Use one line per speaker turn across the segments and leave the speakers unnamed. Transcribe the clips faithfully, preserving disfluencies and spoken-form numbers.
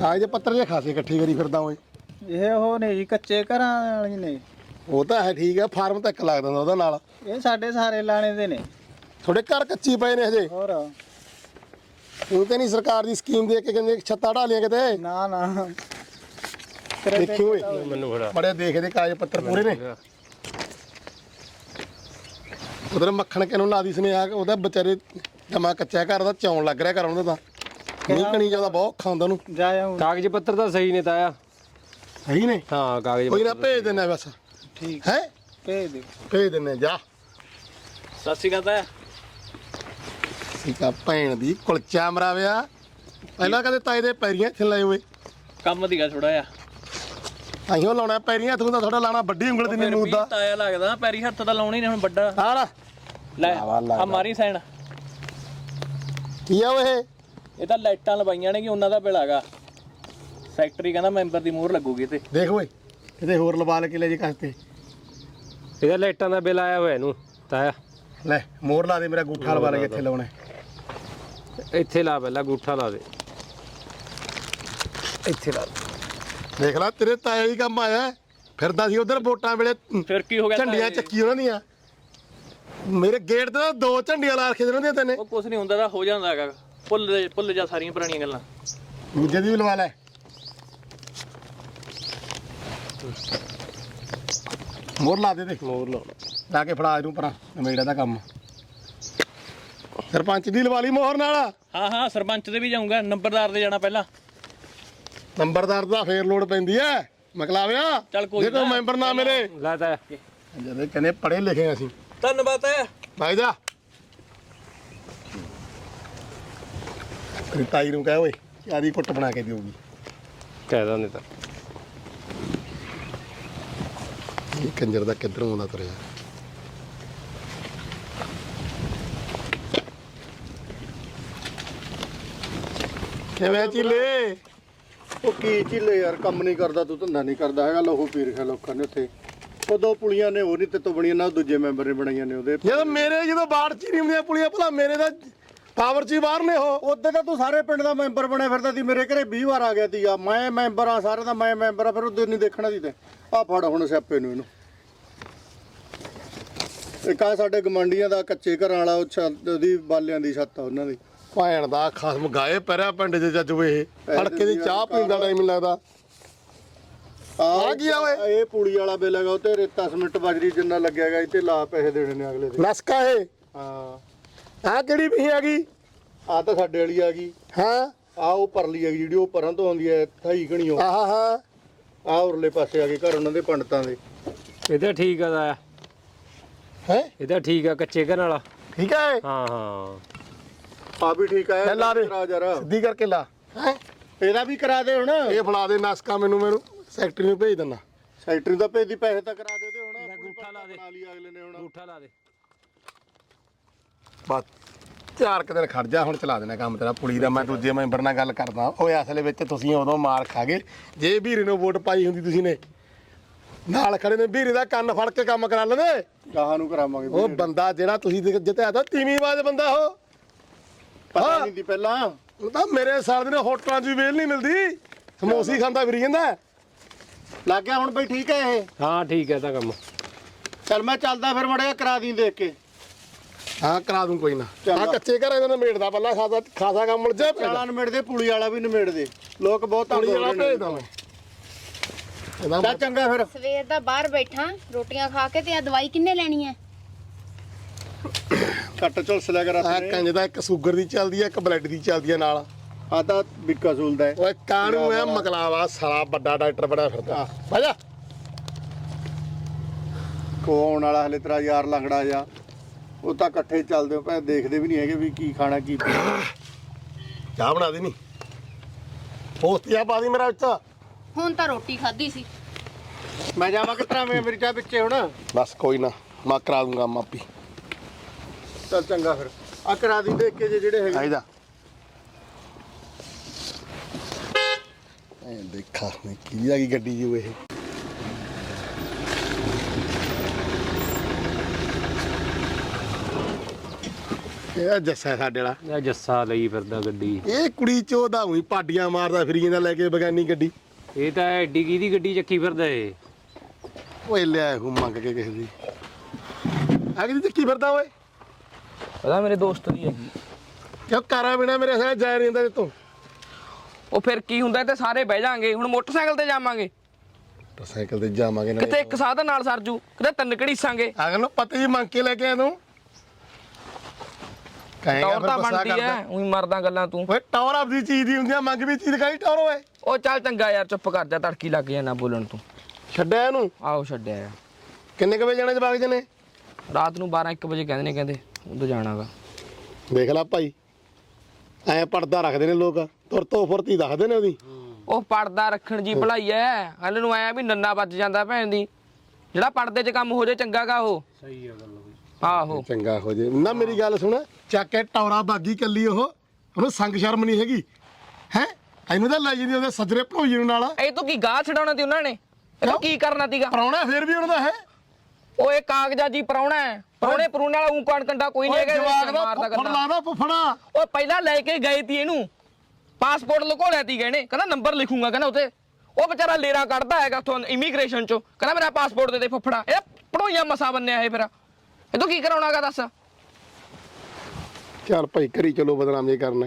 ਕਾਗਜ਼ ਪੱਤਰ ਜੇ ਖਾਸੇ ਇਕੱਠੇ ਕਰੀ ਫਿਰਦਾ ਓਏ।
ਇਹ ਉਹ ਨੇ ਜੀ ਕੱਚੇ ਘਰਾਂ ਵਾਲੀ ਨੇ।
ਉਹ ਤਾਂ ਹੈ ਠੀਕ ਆ, ਫਾਰਮ ਤਾਂ ਇੱਕ ਲੱਗਦਾ ਹੁੰਦਾ ਉਹਦਾ ਨਾਲ।
ਇਹ ਸਾਡੇ ਸਾਰੇ ਲਾਣੇ ਦੇ ਨੇ।
ਤੁਹਾਡੇ ਘਰ ਕੱਚੀ ਪਏ ਨੇ ਹਜੇ?
ਹੋਰ
ਉਹ ਤੇ ਨਹੀਂ ਸਰਕਾਰ ਦੀ ਸਕੀਮ ਦੇ ਕੇ ਕਹਿੰਦੇ ਛੱਤਾਂ ਢਾਲੀਆਂ ਕਿਤੇ?
ਨਾ ਨਾ
ਦੇਖੀ ਓਏ
ਮੈਨੂੰ ਬੜਾ
ਬੜੇ ਦੇਖਦੇ ਕਾਗਜ਼ ਪੱਤਰ ਪੂਰੇ ਨੇ। ਉਧਰ ਮੱਖਣ ਕਿਨੂੰ ਲਾਦੀ ਸੁਨੇਹਾ, ਉਹਦਾ ਵਿਚਾਰੇ ਜਮਾ ਕੱਚਾ ਘਰ ਦਾ ਚੌਣ ਲੱਗ ਰਿਹਾ ਘਰ ਉਹਦਾ ਤਾਂ। ਨਹੀਂ ਕਣੀ ਜਾਂਦਾ ਬਹੁਤ ਖਾਂਦਾ ਉਹਨੂੰ।
ਜਾ ਆਉਂ
ਕਾਗਜ਼ ਪੱਤਰ ਤਾਂ ਸਹੀ ਨੇ ਤਾਇਆ।
ਸਹੀ ਨੇ?
ਹਾਂ ਕਾਗਜ਼
ਕੋਈ ਨਾ ਭੇਜ ਦਿੰਦਾ ਬਸ।
ਠੀਕ
ਹੈ
ਭੇਜ ਦੇ।
ਭੇਜ ਦਿੰਦੇ ਜਾ।
ਸਤਿ ਸ਼੍ਰੀ ਅਕਾਲ ਤਾਇਆ।
ਠੀਕ ਆ ਭੈਣ ਦੀ ਕੁਲਚਾ ਮਰਾਵਿਆ। ਪਹਿਲਾਂ ਕਦੇ ਤਾਏ ਦੇ ਪੈਰੀਆਂ ਇੱਥੇ ਲਾਏ ਹੋਏ।
ਕੰਮ ਦੀਗਾ ਥੋੜਾ ਜਿਹਾ
ਅਹੀਂ ਉਹ ਲਾਉਣਾ ਪੈਰੀਆਂ, ਤੂੰ ਤਾਂ ਥੋੜਾ ਲਾਣਾ ਵੱਡੀ ਉਂਗਲ ਦੀ ਨਿੰਮੂ ਦਾ।
ਤਾਇਆ ਲੱਗਦਾ ਪੈਰੀ ਹੱਥ ਤਾਂ ਲਾਉਣੀ ਨੇ ਹੁਣ ਵੱਡਾ।
ਹਾਂ ਨਾ
ਲੈ ਆ ਮਾਰੀ ਸਾਈਨ।
ਕੀ ਆ ਓਏ?
ਇਹ ਤਾਂ ਲਾਈਟਾਂ ਲਵਾਈਆਂ ਨੇ ਕਿ ਉਹਨਾਂ ਦਾ ਬਿੱਲ ਹੈਗਾ। ਸੈਕਟਰੀ ਕਹਿੰਦਾ ਮੈਂਬਰ ਦੀ ਮੋਹਰ ਲੱਗੂਗੀ ਤੇ।
ਦੇਖ ਓਏ ਕਿਤੇ ਹੋਰ ਲਵਾ ਲੈ ਕੇ ਲੈ ਜੀ ਕਸਤੇ।
ਇਹਦਾ ਲਾਈਟਾਂ ਦਾ ਬਿੱਲ ਆਇਆ ਹੋਇਆ ਇਹਨੂੰ ਤਾਇਆ।
ਲੈ ਮੋਹਰ ਲਾ ਦੇ, ਮੇਰਾ ਗੂਠਾ ਲਵਾ ਲੈ ਕੇ ਇੱਥੇ ਲਾਉਣਾ।
ਇੱਥੇ ਲਾ ਪਹਿਲਾਂ ਗੂਠਾ ਲਾ ਦੇ। ਇੱਥੇ ਲਾ
ਦੇਖ ਲੈ ਤੇਰੇ ਤਾਏ ਹੀ ਕੰਮ ਆਇਆ। ਫਿਰਦਾ ਸੀ ਉਧਰ ਵੋਟਾਂ ਵੇਲੇ
ਫਿਰ ਕੀ ਹੋ ਗਿਆ?
ਝੰਡੀਆਂ ਚੱਕੀ ਉਹਨਾਂ ਦੀਆਂ। ਮੇਰੇ ਗੇਟ ਤੇ ਦੋ ਝੰਡੀਆਂ ਲਾ ਰੱਖੇ ਉਹਨਾਂ ਦੀਆਂ ਤੈਨੇ।
ਉਹ ਕੁਛ ਨਹੀਂ ਹੁੰਦਾ ਤਾਂ ਹੋ ਜਾਂਦਾ ਹੈਗਾ। ਭੁੱਲ ਭੁੱਲ ਜਾ ਸਾਰੀਆਂ ਪੁਰਾਣੀਆਂ ਗੱਲਾਂ।
ਦੂਜੇ ਦੀ ਵੀ ਲਵਾ ਲੈ। ਮੋਹਰ ਲਾ ਦੇ। ਦੇਖ
ਮੋਰ ਲਾ
ਲਾ ਕੇ ਫੜਾ ਇਹਨੂੰ ਪਰਾਂ ਨਵੇੜਾ ਦਾ ਕੰਮ। ਸਰਪੰਚ ਦੀ ਲਵਾ ਲਈ ਮੋਹਰ ਨਾਲ।
ਹਾਂ ਹਾਂ ਸਰਪੰਚ ਦੇ ਵੀ ਜਾਊਂਗਾ, ਨੰਬਰਦਾਰ ਦੇ ਜਾਣਾ ਪਹਿਲਾਂ।
ਨੰਬਰਦਾਰ ਦਾ ਫੇਰ ਲੋੜ ਪੈਂਦੀ ਐ ਮਕਲਾਵਿਆ।
ਚੱਲ ਕੋਈ
ਜੇ ਕੋਈ ਮੈਂਬਰ ਨਾ ਮਿਲੇ।
ਲਾ ਤਾਇਆ।
ਜਦੋਂ ਕਹਿੰਦੇ ਪੜ੍ਹੇ ਲਿਖੇ ਅਸੀਂ।
ਧੰਨਵਾਦ ਹੈ
ਭਾਈ ਜਾ ਤੇਰੀ ਤਾਈ ਨੂੰ ਕਹਿ ਓਏ ਆਦੀ ਕੁੱਟ ਬਣਾ ਕੇ ਦਿਓਗੀ।
ਕਹਿ ਦਿੰਦੇ ਤਾਂ।
ਇਹ ਕੰਜਰ ਦਾ ਕਿੱਧਰੋਂ ਆਉਂਦਾ ਤੁਰਿਆ। ਕਿਵੇਂ ਚੀਲੇ?
ਉਹ ਕੀ ਝੀਲੇ ਯਾਰ, ਕੰਮ ਨਹੀਂ ਕਰਦਾ ਤੂੰ, ਧੰਦਾ ਨਹੀਂ ਕਰਦਾ ਹੈਗਾ। ਲਹੂ ਪੀ ਰੱਖਿਆ ਲੋਕਾਂ ਨੇ ਉੱਥੇ। ਉਹ ਦੋ ਪੁਲੀਆਂ ਨੇ ਉਹ ਨਹੀਂ ਤੇ ਤੋਂ ਬਣੀਆਂ ਨਾ, ਦੂਜੇ ਮੈਂਬਰ ਨੇ ਬਣਾਈਆਂ ਨੇ ਉਹਦੇ।
ਜਦੋਂ ਮੇਰੇ ਜਦੋਂ ਬਾੜ ਚ ਨਹੀਂ ਹੁੰਦੀਆਂ ਪੁਲੀਆਂ, ਭਲਾ ਮੇਰੇ ਦਾ ਪਾਵਰ ਚ ਹੀ ਬਾਹਰ ਨੇ ਉਹ।
ਉੱਤੇ ਤਾਂ ਤੂੰ ਸਾਰੇ ਪਿੰਡ ਦਾ ਮੈਂਬਰ ਬਣਿਆ ਫਿਰਦਾ ਸੀ। ਮੇਰੇ ਘਰੇ ਵੀਹ ਵਾਰ ਆ ਗਿਆ ਸੀਗਾ। ਮੈਂ ਮੈਂਬਰ ਆ ਸਾਰੇ ਦਾ, ਮੈਂ ਮੈਂਬਰ ਆ। ਫਿਰ ਉਹਦੇ ਨਹੀਂ ਦੇਖਣਾ ਸੀ ਤੇ ਆ ਫੜ ਹੁਣ ਸਿਆਪੇ ਨੂੰ ਇਹਨੂੰ। ਇੱਕ ਆ ਸਾਡੇ ਗਮੰਡੀਆਂ ਦਾ ਕੱਚੇ ਘਰਾਂ ਵਾਲਾ, ਉਹ ਛੱਤ ਉਹਦੀ ਬਾਲਿਆਂ ਦੀ ਛੱਤ ਆ ਉਹਨਾਂ ਦੀ।
ਭੈਣ ਦਾ ਖਸਮ ਗਾਏ ਪੈਰਿਆ ਪਿੰਡ ਦੇ ਜੱਜ ਵੇ। ਫੜਕੇ ਦੀ ਚਾਹ ਪੀਣ ਦਾ ਟਾਈਮ ਨਹੀਂ ਲੱਗਦਾ। ਆ ਕੀ ਆ ਓਏ?
ਇਹ ਪੂੜੀ ਵਾਲਾ ਬਿੱਲ ਹੈਗਾ, ਉਹ ਤੇ ਰੇਤਾ ਸਮਿੰਟ ਬਜਰੀ ਜਿੰਨਾ ਲੱਗਿਆਗਾ ਇਹ ਤੇ ਲਾ ਪੈਸੇ ਦੇਣੇ ਨੇ ਅਗਲੇ ਦੇ।
ਨਸਕਾ ਇਹ
ਹਾਂ
ਆ ਕਿਹੜੀ ਵੀ ਆ ਗਈ?
ਆ ਤਾਂ ਸਾਡੇ ਵਾਲੀ ਆ ਗਈ।
ਹਾਂ
ਆ ਉਹ ਪਰਲੀ ਹੈਗੀ ਜਿਹੜੀ ਉਹ ਪਰਾਂ ਤੋਂ ਆਉਂਦੀ ਹੈ ਥਾਈ ਘਣੀਓ।
ਆਹ ਹਾਂ
ਆ ਉਰਲੇ ਪਾਸੇ ਆ ਗਏ ਘਰ ਉਹਨਾਂ ਦੇ ਪੰਡਤਾਂ ਦੇ।
ਇਹਦਾ ਠੀਕ ਆ ਤਾਇਆ।
ਹੈ
ਇਹਦਾ ਠੀਕ ਆ ਕੱਚੇ ਘਰ ਵਾਲਾ।
ਠੀਕ ਹੈ।
ਹਾਂ ਹਾਂ
ਆ ਵੀ ਠੀਕ ਆ।
ਲਾ ਦੇ
ਕਰਾ ਜਰਾ
ਸਿੱਧੀ ਕਰਕੇ ਲਾ। ਹੈ
ਇਹਦਾ ਵੀ ਕਰਾ ਦੇ ਹੁਣ।
ਇਹ ਫੜਾ ਦੇ ਨਸਕਾ ਮੈਨੂੰ, ਮੈਨੂੰ ਸੈਕਟਰੀ ਨੂੰ ਭੇਜ ਦਿੰਦਾ।
ਸੈਕਟਰੀ ਦਾ ਭੇਜੀ, ਪੈਸੇ ਤਾਂ ਕਰਾ ਦੇ ਉਹਦੇ ਹੁਣ।
ਅੰਗੂਠਾ ਲਾ ਦੇ।
ਬਣਾ ਲਈ ਅਗਲੇ ਨੇ ਹੁਣ।
ਅੰਗੂਠਾ ਲਾ ਦੇ।
ਬਸ ਚਾਰ ਕੁ ਦਿਨ ਖੜ ਜਾ, ਹੁਣ ਚਲਾ ਦੇਣਾ ਕੰਮ ਤੇਰਾ ਪੁਲੀ ਦਾ। ਮੈਂ ਦੂਜੇ ਮੈਂਬਰ ਨਾਲ ਗੱਲ ਕਰਦਾ। ਓਏ ਅਸਲ ਵਿੱਚ ਤੁਸੀਂ ਉਦੋਂ ਮਾਰ ਖਾ ਗਏ ਜੇ ਵੀਰੇ ਨੂੰ ਵੋਟ ਪਾਈ ਹੁੰਦੀ। ਤੁਸੀਂ ਨੇ ਨਾਲ ਖੜੇ ਨੇ ਵੀਰੇ ਦਾ ਕੰਨ ਫੜ ਕੇ ਕੰਮ ਕਰਾ ਲੈਂਦੇ।
ਗਾਹਾਂ ਨੂੰ ਕਰਾਵਾਂਗੇ।
ਉਹ ਬੰਦਾ ਜਿਹੜਾ ਤੁਸੀਂ ਜਿੱਤਿਆ ਤਾਂ ਤੀਵੀਂ ਬਾਜ ਬੰਦਾ ਉਹ।
ਪਤਾ ਨਹੀਂ ਦੀ ਪਹਿਲਾਂ।
ਉਹ ਤਾਂ ਮੇਰੇ ਸਾਲ ਦੇ ਹੋਟਲਾਂ 'ਚ ਵੀ ਵੇਲ ਨਹੀਂ ਮਿਲਦੀ। ਸਮੋਸੀ ਖਾਂਦਾ ਫਿਰੀ ਜਾਂਦਾ।
ਲੱਗ ਗਿਆ ਹੁਣ ਬਈ ਠੀਕ ਹੈ ਇਹ?
ਹਾਂ ਠੀਕ ਹੈ ਤਾਂ ਕੰਮ।
ਚੱਲ ਮੈਂ ਚੱਲਦਾ ਫਿਰ ਮੜਿਆ ਕਰਾ ਦੀ ਦੇਖ ਕੇ।
ਹਾਂ ਕਰਾ ਦੂੰ ਕੋਈ ਨਾ।
ਚੰਗਾ।
ਆ ਕੱਚੇ ਘਰ ਇਹਨਾਂ ਨੇ ਮੇੜਦਾ ਪਹਿਲਾਂ ਖਾਸਾ ਖਾਸਾ ਕੰਮ ਮਿਲ ਜਾ।
ਚਾਲਾਂ ਨਿਮੇੜ ਦੇ, ਪੁਲੀ ਵਾਲਾ ਵੀ ਨਿਮੇੜ ਦੇ। ਲੋਕ ਬਹੁਤ ਤੰਗ
ਪੁਲੀ
ਹੋ
ਵਾਲਾ
ਰਹੇ ਨੇ।
ਭੇਜਦਾ ਮੈਂ ਇਹਦਾ।
ਚੱਲ ਚੰਗਾ ਫਿਰ।
ਸਵੇਰ ਦਾ ਬਾਹਰ ਬੈਠਾ ਰੋਟੀਆਂ ਖਾ ਕੇ, ਤੇ ਆ ਦਵਾਈ ਕਿੰਨੇ ਲੈਣੀ ਹੈ?
ਕੱਟ ਝੁਲਸ ਲਿਆ ਕਰ
ਆ
ਆਪਣੇ।
ਕੰਜ ਦਾ ਇੱਕ ਸ਼ੂਗਰ ਦੀ ਚੱਲਦੀ ਹੈ, ਇੱਕ ਬਲੱਡ ਦੀ ਚੱਲਦੀ ਹੈ ਨਾਲ।
ਆ ਤਾਂ ਬਿੱਕਾ ਸੂਲਦਾ ਹੈ।
ਓਏ ਕਾਣੂ ਐ ਮਕਲਾਵਾ ਸਾਲਾ ਵੱਡਾ ਡਾਕਟਰ ਬਣਿਆ ਫਿਰਦਾ। ਭਾਜਾ
ਕੋਣ ਵਾਲਾ ਹਲੇ ਤੇਰਾ ਯਾਰ ਲੰਗੜਾ ਜਾ। ਉਹ ਤਾਂ ਇਕੱਠੇ ਚੱਲਦੇ ਹੋ ਭੈ, ਦੇਖਦੇ ਵੀ ਨਹੀਂ ਹੈਗੇ ਵੀ ਕੀ ਖਾਣਾ ਕੀ ਪੀਣਾ।
ਚਾਹ ਬਣਾ ਦੇ ਨੀ ਪੋਸਤੀਆਂ ਪਾ ਦੀ ਮੇਰਾ ਵਿੱਚ।
ਹੁਣ ਤਾਂ ਰੋਟੀ ਖਾਧੀ ਸੀ।
ਮੈਂ ਜਾਵਾਂ ਕਿਤਰਾ ਮੈਂ ਮੇਰੀ ਚਾਹ ਵਿੱਚੇ ਹੁਣ।
ਬਸ ਕੋਈ ਨਾ ਮੈਂ ਕਰਾ ਦੂੰਗਾ ਮਾਪੀ।
ਚੱਲ ਚੰਗਾ ਫਿਰ ਆ ਕਰਾ ਦੀ ਦੇਖ ਕੇ ਜੇ ਜਿਹੜੇ ਹੈਗੇ।
ਆਈਦਾ ਐ ਦੇਖਾ ਮੈਂ ਕੀ ਆ ਗਈ ਗੱਡੀ ਜੀ ਇਹ। ਇਹ ਜੱਸਾ ਸਾਡੇ ਵਾਲਾ
ਇਹ ਜੱਸਾ ਲਈ ਫਿਰਦਾ ਗੱਡੀ।
ਇਹ ਕੁੜੀ ਚੋਦਾ ਉਹੀ ਪਾਡੀਆਂ ਮਾਰਦਾ ਫਿਰੀ ਜਾਂਦਾ ਲੈ ਕੇ ਬਗਾਨੀ ਗੱਡੀ।
ਇਹ ਤਾਂ ਐਡੀ ਕਿਹਦੀ ਗੱਡੀ ਚੱਕੀ ਫਿਰਦਾ ਏ।
ਓਏ ਲਿਆ ਹੂੰ ਮੰਗ ਕੇ ਕਿਸੇ ਦੀ ਆ ਕਿਹਦੀ ਚੱਕੀ ਫਿਰਦਾ ਓਏ?
ਪਤਾ ਮੇਰੇ ਦੋਸਤ ਦੀ ਹੈਗੀ।
ਕਿਉਂ ਕਾਰਾ ਬਿਨਾ ਮੇਰੇ ਸਾਹ ਜਾ ਨਹੀਂ ਹੁੰਦਾ ਤੂੰ।
ਉਹ ਫਿਰ ਕੀ ਹੁੰਦਾ ਤੇ ਸਾਰੇ ਬਹਿ ਜਾਾਂਗੇ। ਹੁਣ ਮੋਟਰਸਾਈਕਲ ਤੇ ਜਾਵਾਂਗੇ,
ਸਾਈਕਲ ਤੇ ਜਾਵਾਂਗੇ ਨਾ
ਕਿਤੇ ਇੱਕ ਸਾਧਨ ਨਾਲ ਸਰਜੂ, ਕਿਤੇ ਤਿੰਨ ਘੜੀਸਾਂਗੇ।
ਅਗਲ ਨੂੰ ਪਤੀ ਜੀ ਮੰਗ ਕੇ ਲੈ ਕੇ ਆ ਤੂੰ ਕਹੇਗਾ
ਟੌਰ
ਫਿਰ
ਤਾਂ
ਗੁੱਸਾ
ਬਣਦੀ ਐ,
ਕਰਦਾ।
ਉਹੀ ਮਰਦਾ ਗੱਲਾਂ ਤੂੰ।
ਓਏ ਟੌਰ ਆਪਦੀ ਚੀਜ਼ ਦੀ ਹੁੰਦੀ ਆ, ਮੰਗ ਵੀ ਚੀਜ਼ ਕਾਹਦੀ ਟੌਰ ਓਏ?
ਉਹ ਚੱਲ ਚੰਗਾ ਯਾਰ, ਚੁੱਪ ਕਰ ਜਾ, ਤੜਕੀ ਲੱਗ ਜਾ ਨਾ ਬੋਲਣ ਤੂੰ।
ਛੱਡਿਆ ਇਹਨੂੰ?
ਆਹੋ ਛੱਡਿਆ ਯਾਰ।
ਕਿੰਨੇ ਕੁ ਵਜੇ ਜਾਣਾ ਜਵਾਕ ਜੀ ਨੇ?
ਰਾਤ ਨੂੰ ਬਾਰਾਂ ਇੱਕ ਵਜੇ ਕਹਿੰਦੇ ਨੇ, ਕਹਿੰਦੇ ਉਦੋਂ ਜਾਣਾਗਾ।
ਦੇਖ ਲੈ ਭਾਈ ਐ ਪਰਦਾ ਰੱਖਦੇ ਨੇ ਲੋਕ, ਤੁਰ ਤੋਂ ਫੁਰਤੀ ਦੱਸਦੇ ਨੇ ਉਹਦੀ।
ਉਹ ਪੜਦਾ ਰੱਖਣ ਜੀ ਭਲਾਈ ਐ, ਹਲ ਨੂੰ ਆਇਆ ਵੀ ਨੰਨਾ ਵੱਜ ਜਾਂਦਾ ਭੈਣ ਦੀ। ਜਿਹੜਾ ਪੜਦੇ 'ਚ ਕੰਮ ਹੋ ਜੇ ਚੰਗਾਗਾ ਉਹ।
ਸਹੀ ਆ ਗੱਲ ਬਈ।
ਆਹੋ
ਚੰਗਾ ਹੋ ਜੇ ਨਾ। ਮੇਰੀ ਗੱਲ ਸੁਣ, ਚੱਕ ਕੇ ਟੌਰਾ ਬਾਗੀ ਕੱਲੀ ਉਹ, ਉਹਨੂੰ ਸੰਗ ਸ਼ਰਮ ਨਹੀਂ ਹੈਗੀ ਹੈ। ਇਹਨੂੰ ਤਾਂ ਲੈ ਜਾਂਦੀ ਉਹਦੇ ਸੱਜਰੇ ਭਣੋਈ ਨੂੰ ਨਾਲ।
ਇਹ ਤੋਂ ਕੀ ਗਾਹ ਛਡਾਉਣਾ ਤੀ ਉਹਨਾਂ ਨੇ, ਇਹ ਤੋਂ ਕੀ ਕਰਨਾ ਤੀਗਾ?
ਪਰਾਉਣਾ ਫੇਰ ਵੀ ਉਹਨਾਂ ਦਾ ਹੈ।
ਉਹ ਇਹ ਕਾਗਜ਼ਾਂ ਜੀ ਪਰਾਉਣਾ ਹੈ, ਪਰਾਉਣੇ ਪਰੂਣੇ ਵਾਲਾ ਊਂ ਕਣ ਕੰਡਾ ਕੋਈ ਨਹੀਂ ਹੈਗਾ।
ਜਵਾਕ ਦਾ
ਮਾਰਦਾ
ਫੁੱਫੜ
ਗੱਲਾਂ।
ਲਾਦਾ ਫੁੱਫੜਾ।
ਉਹ ਪਹਿਲਾਂ ਲੈ ਕੇ ਗਏ ਤੀ ਇਹਨੂੰ, ਪਾਸਪੋਰਟ ਲੁਕੋ ਲਿਆ ਤੀ ਗਏ, ਕਹਿੰਦਾ ਨੰਬਰ ਲਿਖੂਗਾ ਕਹਿੰਦਾ ਉੱਤੇ। ਉਹ ਵਿਚਾਰਾ ਲੇਰਾ ਕੱਢਦਾ ਹੈਗਾ ਉੱਥੋਂ ਇਮੀਗ੍ਰੇਸ਼ਨ ਚੋਂ, ਕਹਿੰਦਾ ਮੇਰਾ ਪਾਸਪੋਰਟ ਦੇ ਦੇ ਫੁੱਫੜਾ। ਇਹ ਪੜੋਈਆਂ ਮਸਾ ਬੰਨਿਆ ਇਹ, ਫਿਰ ਇਹ ਤੋਂ ਕੀ ਕਰਾਉਣਾਗਾ ਦੱਸ?
ਚੱਲ ਭਾਈ ਕਰੀ ਚਲੋ, ਬਦਨਾਮ ਜੇ ਕਰਨਾ।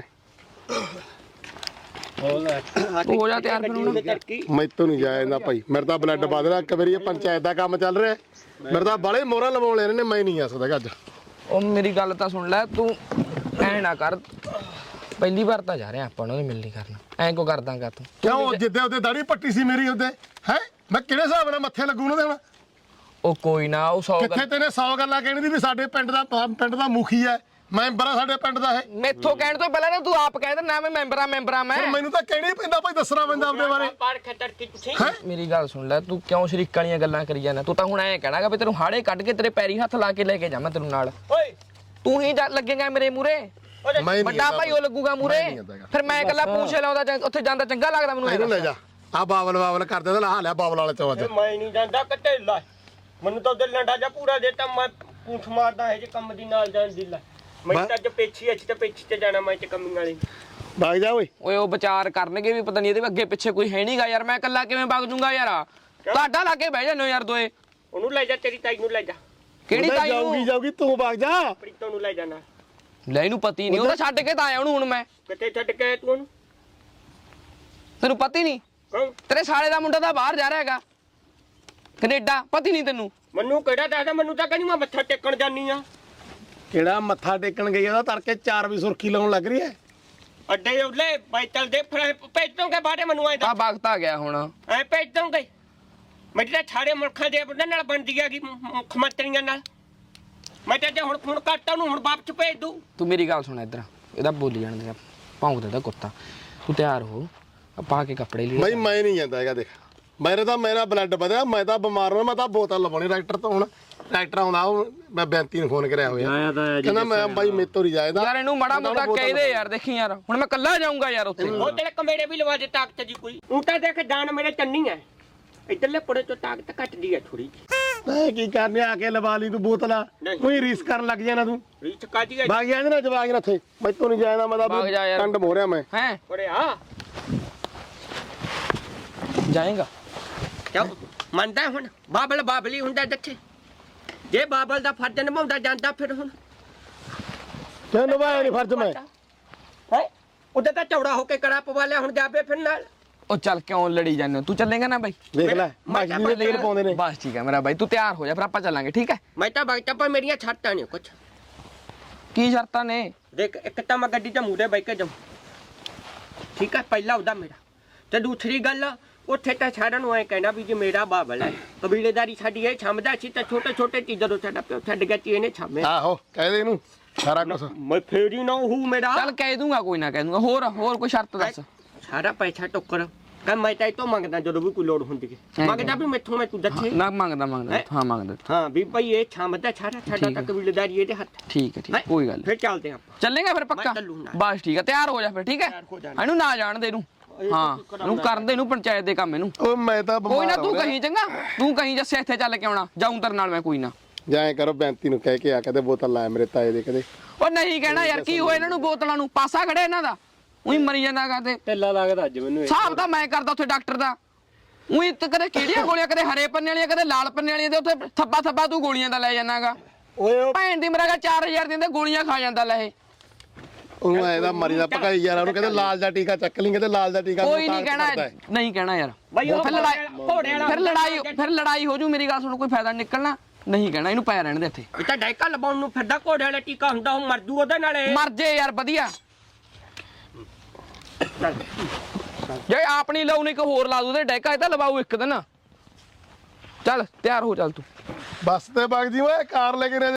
ਤੂੰ ਹੋ ਜਾ ਤਿਆਰ ਫਿਰ ਹੁਣ।
ਮੈਥੋਂ ਨਹੀਂ ਜਾਇਆ ਜਾਂਦਾ ਭਾਈ, ਮੇਰੇ ਤਾਂ ਬਲੱਡ ਵੱਧ ਰਿਹਾ। ਇੱਕ ਵਾਰੀ ਇਹ ਪੰਚਾਇਤ ਦਾ ਕੰਮ ਚੱਲ ਰਿਹਾ, ਮੇਰੇ ਤਾਂ ਬਾਲੇ ਮੋਹਰਾਂ ਲਵਾਉਣ ਲੈਣੇ ਨੇ, ਮੈਂ ਨਹੀਂ ਆ ਸਕਦਾ ਅੱਜ।
ਉਹ ਮੇਰੀ ਗੱਲ ਤਾਂ ਸੁਣ ਲੈ ਤੂੰ, ਐ ਨਾ ਕਰ। ਪਹਿਲੀ ਵਾਰ ਤਾਂ ਜਾ ਰਿਹਾ ਆਪਾਂ ਨੂੰ ਮਿਲ ਨਹੀਂ ਕਰਨਾ, ਐਂ ਕੋ ਕਰਦਾਂਗਾ ਤੂੰ?
ਕਿਉਂ ਜਿੱਦੇ ਉਹਦੇ ਦਾੜੀ ਪੱਟੀ ਸੀ ਮੇਰੀ ਉਹਦੇ ਹੈ, ਮੈਂ ਕਿਹੜੇ ਹਿਸਾਬ ਨਾਲ ਮੱਥੇ ਲੱਗੂ ਉਹਨਾਂ ਦੇ ਹੁਣ?
ਉਹ ਕੋਈ ਨਾ, ਉਹ ਸੌ
ਕਿੱਥੇ ਤੈਨੇ ਸੌ ਗੱਲਾਂ ਕਹਿਣੀ ਦੀ ਵੀ ਸਾਡੇ ਪਿੰਡ ਦਾ ਪਿੰਡ ਦਾ ਮੁਖੀ ਹੈ, ਮੈਂਬਰ ਆ ਸਾਡੇ ਪਿੰਡ ਦਾ ਇਹ।
ਮੈਥੋਂ ਕਹਿਣ ਤੋਂ ਪਹਿਲਾਂ ਨਾ ਤੂੰ ਆਪ ਕਹਿ ਦਿੰਦਾ ਮੈਂ ਮੈਂਬਰ ਆ ਮੈਂਬਰ ਆ ਮੈਂ।
ਫਿਰ ਮੈਨੂੰ ਤਾਂ ਕਹਿਣਾ ਹੀ ਪੈਂਦਾ ਭਾਈ, ਦੱਸਣਾ ਪੈਂਦਾ ਆਪਦੇ ਬਾਰੇ। ਹੈਂ?
ਮੇਰੀ ਗੱਲ ਸੁਣ ਲੈ, ਤੂੰ ਕਿਉਂ ਸ਼ਰੀਕਾਂ ਵਾਲੀਆਂ ਗੱਲਾਂ ਕਰੀ ਜਾਂਦਾ? ਤੂੰ ਤਾਂ ਹੁਣ ਐਂ ਕਹਿਣਾਗਾ ਵੀ ਤੈਨੂੰ ਹਾੜੇ ਕੱਢ ਕੇ ਤੇਰੇ ਪੈਰੀ ਹੱਥ ਲਾ ਕੇ ਲੈ ਕੇ ਜਾਵਾਂ ਤੈਨੂੰ ਨਾਲ।
ਓਏ
ਤੂੰ ਹੀ ਜਾ- ਲੱਗੇਗਾ ਮੇਰੇ ਮੂਰੇ,
ਮੈਂ ਨਹੀਂ
ਵੱਡਾ
ਜਾਂਦਾ
ਭਾਈ ਉਹ ਲੱਗੂਗਾ ਮੂਰੇ।
ਮੈਂ ਨਹੀਂ ਜਾਂਦਾ
ਫਿਰ ਮੈਂ ਇਕੱਲਾ ਪੂਛੇ ਲਾਉਂਦਾ ਜਾਂ ਉੱਥੇ ਜਾਂਦਾ ਚੰਗਾ ਲੱਗਦਾ ਮੈਨੂੰ?
ਇਹਨੂੰ ਲੈ ਜਾ, ਆ ਬਾਬਲ ਬਾਬਲ ਕਰਦੇ ਤਾਂ ਲਾ ਲਿਆ ਬਾਬਲ ਵਾਲੇ ਚੋਂ ਅੱਜ।
ਮੈਂ ਨਹੀਂ ਜਾਂਦਾ ਕਿਤੇ ਲਾ, ਮੈਨੂੰ ਤਾਂ ਉਹਦੇ ਲੰਡਾ ਜਾ ਪੂਰਾ ਦੇਤਾ। ਮੈਂ ਪੂੰਛ ਮਾਰਦਾ ਹੈ ਜੇ ਕੰਮ ਦੀ ਨਾਲ ਜਾਣ ਦੀ ਲਾ। ਮੈਂ ਤਾਂ ਅੱਜ ਪੇਛੀ ਅੱਛੀ ਤੇ ਪੇਛੀ ਤੇ ਜਾਣਾ, ਮੈਂ ਤੇ ਕੰਮੀ ਵਾਲੀ।
ਭਾਗ ਜਾ ਓਏ।
ਓਏ ਉਹ ਵਿਚਾਰ ਕਰਨਗੇ ਵੀ ਪਤਾ ਨਹੀਂ ਇਹਦੇ ਅੱਗੇ ਪਿੱਛੇ ਕੋਈ ਹੈ ਨਹੀਂਗਾ ਯਾਰ, ਮੈਂ ਇਕੱਲਾ ਕਿਵੇਂ ਵਗ ਜੂੰਗਾ ਯਾਰ? ਤੁਹਾਡਾ ਲਾ ਕੇ ਬਹਿ ਜਾਂਦੇ ਹੋ ਯਾਰ ਦੋਏ।
ਉਹਨੂੰ ਲੈ ਜਾ, ਤੇਰੀ ਤਾਈ ਨੂੰ ਲੈ ਜਾ,
ਕਿਹੜੀ ਤਾਈ
ਜਾਊਗੀ
ਨੂੰ?
ਜਾਊਗੀ ਤੂੰ ਭਾਗ ਜਾ।
ਪ੍ਰੀਤੋਂ ਨੂੰ ਲੈ ਜਾਣਾ।
ਲੈ ਇਹਨੂੰ ਪਤੀ ਨਹੀਂ, ਉਹ ਤਾਂ ਛੱਡ ਕੇ ਤਾਂ ਆਇਆ ਉਹਨੂੰ ਹੁਣ ਮੈਂ।
ਕਿਤੇ ਛੱਡ ਕੇ ਆਇਆ ਤੂੰ ਉਹਨੂੰ?
ਤੈਨੂੰ ਪਤੀ ਨਹੀਂ?
ਕੌਣ?
ਤੇਰੇ ਸਾਲੇ ਦਾ ਮੁੰਡਾ ਤਾਂ ਬਾਹਰ ਜਾ ਰਿਹਾ ਹੈਗਾ ਕੈਨੇਡਾ, ਪਤੀ ਨਹੀਂ ਤੈਨੂੰ?
ਮੈਨੂੰ ਕਿਹੜਾ ਦੱਸਦਾ? ਮੈਨੂੰ ਤਾਂ ਕਹਿੰਦੀ ਮੈਂ ਮੱਥਾ ਟੇਕਣ ਜਾਨੀ ਆ।
ਕਿਹੜਾ ਮੱਥਾ ਟੇਕਣ ਗਈ ਉਹਦਾ ਤੜਕੇ ਚਾਰ ਵਜੇ ਸੁਰਖੀ ਲਾਉਣ ਲੱਗ ਰਹੀ ਹੈ।
ਅੱਡੇ ਉੱਲੇ ਬਾਈਤਲ ਦੇ ਫਿਰ ਭੇਜ ਦੋਗੇ ਬਾੜੇ ਮੈਨੂੰ ਆਏ
ਆ ਵਕਤ ਆ ਗਿਆ ਹੁਣ।
ਐ ਭੇਜ ਦੋਗੇ? ਮੇਰੀ ਤਾਂ ਸਾਰੇ ਮੁਲਕਾਂ ਦੇ ਬੰਦੇ ਨਾਲ ਬਣਦੀ ਹੈਗੀ, ਮੁੱਖ ਮੰਤਰੀਆਂ ਨਾਲ। ਮੈਂ ਤਾਂ ਜੇ ਹੁਣ ਫੋਨ ਕਰਤਾ ਉਹਨੂੰ, ਹੁਣ ਵਾਪਸ ਭੇਜ ਦੂੰ।
ਤੂੰ ਮੇਰੀ ਗੱਲ ਸੁਣ ਇੱਧਰ, ਇਹਦਾ ਬੋਲੀ ਜਾਣ ਦੇ, ਭੌਂਕਦਾ ਦਾ ਕੁੱਤਾ। ਤੂੰ ਤਿਆਰ ਹੋ, ਆ ਪਾ ਕੇ ਕੱਪੜੇ ਲੈ।
ਬਈ ਮੈਂ ਨਹੀਂ ਜਾਂਦਾ ਹੈਗਾ, ਦੇਖ ਮੇਰੇ ਤਾਂ ਮੇਰਾ ਬਲੱਡ ਵਧਿਆ, ਮੈਂ ਤਾਂ ਬਿਮਾਰ ਹਾਂ, ਮੈਂ ਤਾਂ ਬੋਤਲ ਲਵਾਉਣੀ ਡਾਕਟਰ ਤੋਂ। ਹੁਣ ਡਾਕਟਰ ਆਉਂਦਾ, ਉਹ ਮੈਂ ਬੈਂਤੀ ਨੂੰ ਫੋਨ ਕਰਿਆ ਹੋਇਆ,
ਆਇਆ ਤਾਂ ਹੈ ਜੀ
ਕਹਿੰਦਾ ਮੈਂ ਬਾਈ ਮੇਰੇ ਤੋਂ ਨਹੀਂ ਜਾਇਦਾ।
ਯਾਰ ਇਹਨੂੰ ਮਾੜਾ ਮੋਟਾ ਕਹਿ ਦੇ ਯਾਰ, ਦੇਖੀ ਯਾਰ ਹੁਣ ਮੈਂ ਕੱਲਾ ਜਾਊਂਗਾ ਯਾਰ ਉੱਥੇ।
ਉਹ ਤੇਰੇ ਕਮੇੜੇ ਵੀ ਲਵਾ ਦੇ ਤਾਕਤ ਜੀ ਕੋਈ। ਉਹ ਤਾਂ ਦੇਖ ਜਾਨ ਮੇਰੇ ਚੰਨੀ ਹੈ, ਇੱਧਰਲੇ ਪੁੜੇ ਚੋਂ ਤਾਕਤ ਘਟਦੀ ਹੈ ਥੋੜੀ ਜਿਹੀ।
ਮੈਂ ਕੀ ਕਰਨੇ ਆ ਕੇ ਲਵਾ ਲਈ ਤੂੰ ਬੋਤਲਾਂ,
ਨਹੀਂ।
ਕੋਈ ਰੀਸ ਕਰਨ ਲੱਗ ਜਾਣਾ ਤੂੰ।
ਰੀਚ ਕਾਦੀ ਹੈ
ਬਾਗ ਜਾਂਦੇ ਨਾ ਜਵਾਗ ਨਾ ਇੱਥੇ, ਮੈਂ ਤੋਂ ਨਹੀਂ ਜਾਇਦਾ, ਮੈਂ ਤਾਂ
ਭਾਗ ਜਾ ਯਾਰ।
ਕੰਡ ਮੋਰਿਆ ਮੈਂ।
ਹੈ
ਓਰੇ ਆ
ਜਾਏਗਾ?
ਕਿਉਂ ਮੰਨਦਾ ਹੁਣ? ਬਾਬਲ ਬਾਬਲੀ ਹੁੰਦਾ ਦੱਥੇ, ਜੇ ਬਾਬਲ ਦਾ ਫਰਜ਼ ਨਿਭਾਉਂਦਾ ਜਾਂਦਾ ਫਿਰ ਹੁਣ
ਕਿਉਂ ਨਿਭਾਇਆ ਨਹੀਂ ਫਰਜ਼ ਮੈਂ?
ਹੈ ਉਹਦੇ ਤਾਂ ਚੌੜਾ ਹੋ ਕੇ ਕੜਾ ਪਵਾ ਲਿਆ, ਹੁਣ ਜਾਵੇ ਫਿਰ ਨਾਲ।
ਉਹ ਚੱਲ ਕਿਉਂ ਲੜੀ ਜਾਂਦੇ ਹੋ? ਤੂੰ ਚੱਲੇਗਾ ਨਾ ਬਾਈ?
ਦੇਖ ਲੈ ਮਾਜੀ ਦੇ ਲੇਨ ਪਾਉਂਦੇ ਨੇ।
ਬਸ ਠੀਕ ਹੈ ਮੇਰਾ ਬਾਈ, ਤੂੰ ਤਿਆਰ ਹੋ ਜਾ ਫਿਰ ਆਪਾਂ ਚੱਲਾਂਗੇ, ਠੀਕ ਹੈ?
ਮੈਂ ਤਾਂ ਬਗਟਾ ਪਰ ਮੇਰੀਆਂ ਛੱਟਾਂ ਨੇ ਕੁਛ।
ਕੀ ਸ਼ਰਤਾਂ ਨੇ?
ਦੇਖ ਇੱਕ ਤਾਂ ਮੈਂ ਗੱਡੀ ਤੇ ਮੂਰੇ ਬੈ ਕੇ ਜਾਉਂ, ਠੀਕ ਹੈ, ਪਹਿਲਾ ਉਹਦਾ ਮੇਰਾ। ਤੇ ਦੂਸਰੀ ਗੱਲ, ਉੱਥੇ ਤਾਂ ਸਾਰਿਆਂ ਨੂੰ ਐ ਕਹਿਣਾ ਵੀ ਜੇ ਮੇਰਾ ਬਾਬਲ ਹੈ, ਕਬੀਲੇਦਾਰੀ ਸਾਡੀ ਇਹ ਛੰਮਦਾ ਸੀ ਤਾਂ ਛੋਟੇ ਛੋਟੇ ਚੀਜ਼ਾਂ ਤੋਂ ਸਾਡਾ ਪਿਓ ਛੱਡ ਗਿਆ ਸੀ, ਇਹਨੇ ਛਾਮੇ।
ਆਹੋ ਕਹਿ ਦੇ ਇਹਨੂੰ ਸਾਰਾ ਕੁਝ।
ਮੈਂ ਫੇਰੀ ਨਾ ਹੂੰ ਮੇਰਾ
ਚੱਲ ਕਹਿ ਦੂੰਗਾ, ਕੋਈ ਨਾ ਕਹਿ ਦੂੰਗਾ। ਹੋਰ ਹੋਰ ਕੋਈ ਸ਼ਰਤ ਦੱਸ।
ਸਾਰਾ ਪੈਸਾ ਟੋਕਰ ਕਹ ਮੈਂ ਤਾਂ ਇਹ ਤੋਂ ਮੰਗਦਾ ਜਦੋਂ ਵੀ ਕੋਈ ਲੋੜ ਹੁੰਦੀ ਹੈ, ਮੰਗਦਾ ਵੀ ਮੈਥੋਂ ਮੈਂ ਤੂੰ ਦੱਸੇ।
ਨਾ ਮੰਗਦਾ ਮੰਗਦਾ ਹਾਂ ਮੰਗਦਾ।
ਹਾਂ ਵੀ ਭਾਈ ਇਹ ਛਾਮਦਾ ਸਾਰਾ ਸਾਡਾ ਤਾਂ ਕਬੀਲੇਦਾਰੀ ਇਹਦੇ ਹੱਥ।
ਠੀਕ ਹੈ ਠੀਕ ਹੈ, ਕੋਈ ਗੱਲ
ਫਿਰ ਚੱਲਦੇ ਆਪਾਂ।
ਚੱਲੇਗਾ ਫਿਰ ਪੱਕਾ?
ਮੈਂ ਚੱਲੂ ਨਾਲ।
ਬਸ ਠੀਕ ਹੈ, ਤਿਆਰ ਹੋ ਜਾ ਫਿਰ, ਠੀਕ ਹੈ?
ਤਿਆਰ ਹੋ ਜਾਣਾ।
ਇਹਨੂੰ ਨਾ ਜਾਣ ਦੇ ਇਹਨੂੰ, ਹਾਂ ਇਹਨੂੰ ਕਰਨ ਦੇ, ਇਹਨੂੰ ਪੰਚਾਇਤ ਦੇ ਕੰਮ ਇਹਨੂੰ।
ਉਹ ਮੈਂ ਤਾਂ
ਕੋਈ ਨਾ
ਬਿਮਾਰ
ਤੂੰ
ਹੋ
ਕਹੀਂ ਚੰਗਾ, ਤੂੰ ਕਹੀਂ ਜੱਸੇ ਇੱਥੇ ਚੱਲ ਕੇ ਆਉਣਾ, ਜਾਊਂ ਤੇਰੇ ਨਾਲ ਮੈਂ, ਕੋਈ ਨਾ।
ਜਾਏ ਕਰੋ ਬੈਂਤੀ ਨੂੰ ਕਹਿ ਕੇ ਆ, ਕਦੇ ਬੋਤਲ ਲਾਇਆ ਮੇਰੇ ਤਾਏ ਦੇ ਕਦੇ।
ਓ ਉਹ ਨਹੀਂ ਕਹਿਣਾ ਯਾਰ ਕੀ ਹੋਇਆ ਇਹਨਾਂ ਨੂੰ ਬੋਤਲਾਂ ਨੂੰ ਪਾਸਾ ਖੜਿਆ ਇਹਨਾਂ ਦਾ ਉਹੀ ਮਰੀ ਜਾਂਦਾਗਾ ਤੇ
ਢਿੱਲਾ ਲੱਗਦਾ ਅੱਜ ਮੈਨੂੰ ਇਹ।
ਹਿਸਾਬ ਤਾਂ ਮੈਂ ਕਰਦਾ ਉੱਥੇ ਡਾਕਟਰ ਦਾ ਉਹੀ ਤੇ ਕਦੇ ਕਿਹੜੀਆਂ ਗੋਲੀਆਂ ਕਦੇ ਹਰੇ ਪੰਨੇ ਵਾਲੀਆਂ ਕਦੇ ਲਾਲ ਪੰਨੇ ਵਾਲੀਆਂ ਤੇ ਉੱਥੇ ਥੱਬਾ ਥੱਬਾ ਤੂੰ ਗੋਲੀਆਂ ਦਾ ਲੈ ਜਾਣਾਗਾ
ਓਏ ਉਹ
ਭੈਣ ਦੀ ਮਰਾਗਾ ਚਾਰ ਹਜ਼ਾਰ ਦਿੰਦੇ ਗੋਲੀਆਂ ਖਾ ਜਾਂਦਾ ਲੈ ਇਹ
ਉਹਨੂੰ ਐਦਾ ਮਰੀ ਦਾ ਭਕਾਈ ਯਾਰ ਉਹਨੂੰ ਕਹਿੰਦੇ ਲਾਲ ਦਾ ਟੀਕਾ ਚੱਕ ਲਈ ਕਹਿੰਦੇ ਲਾਲ ਦਾ ਟੀਕਾ
ਕੋਈ ਨਹੀਂ ਕਹਿਣਾ ਨਹੀਂ ਕਹਿਣਾ ਯਾਰ
ਬਈ ਉਹ
ਫਿਰ ਲੜਾਈ
ਘੋੜੇ ਵਾਲਾ
ਫਿਰ ਲੜਾਈ ਫਿਰ ਲੜਾਈ ਹੋ ਜੂ ਮੇਰੀ ਗੱਲ ਸੁਣ ਕੋਈ ਫਾਇਦਾ ਨੀ ਨਿਕਲਣਾ ਨਹੀਂ ਕਹਿਣਾ ਇਹਨੂੰ ਪੈ ਰਹਿਣ ਦੇ ਇੱਥੇ
ਇਹ ਤਾਂ ਡਾਇਕਾ ਲਵਾਉਣ ਨੂੰ ਫਿਰਦਾ ਘੋੜੇ ਵਾਲਾ ਟੀਕਾ ਹੁੰਦਾ ਉਹ ਮਰ ਜੂ ਉਹਦੇ ਨਾਲੇ
ਮਰ ਜੇ ਯਾਰ ਵਧੀਆ ਜੇ ਆਪ ਨਹੀਂ ਲਾਉਣੀ ਇੱਕ ਹੋਰ ਲਾ ਦੂ ਤੇ ਡੈਕਾ ਇਹ ਤਾਂ ਲਵਾਉ ਇੱਕ ਦਿਨ ਚੱਲ ਤਿਆਰ ਹੋ ਚੱਲ ਤੂੰ
ਬੱਸ ਤੇ ਵਗ ਜੀ ਓਏ ਕਾਰ ਲੈ ਕੇ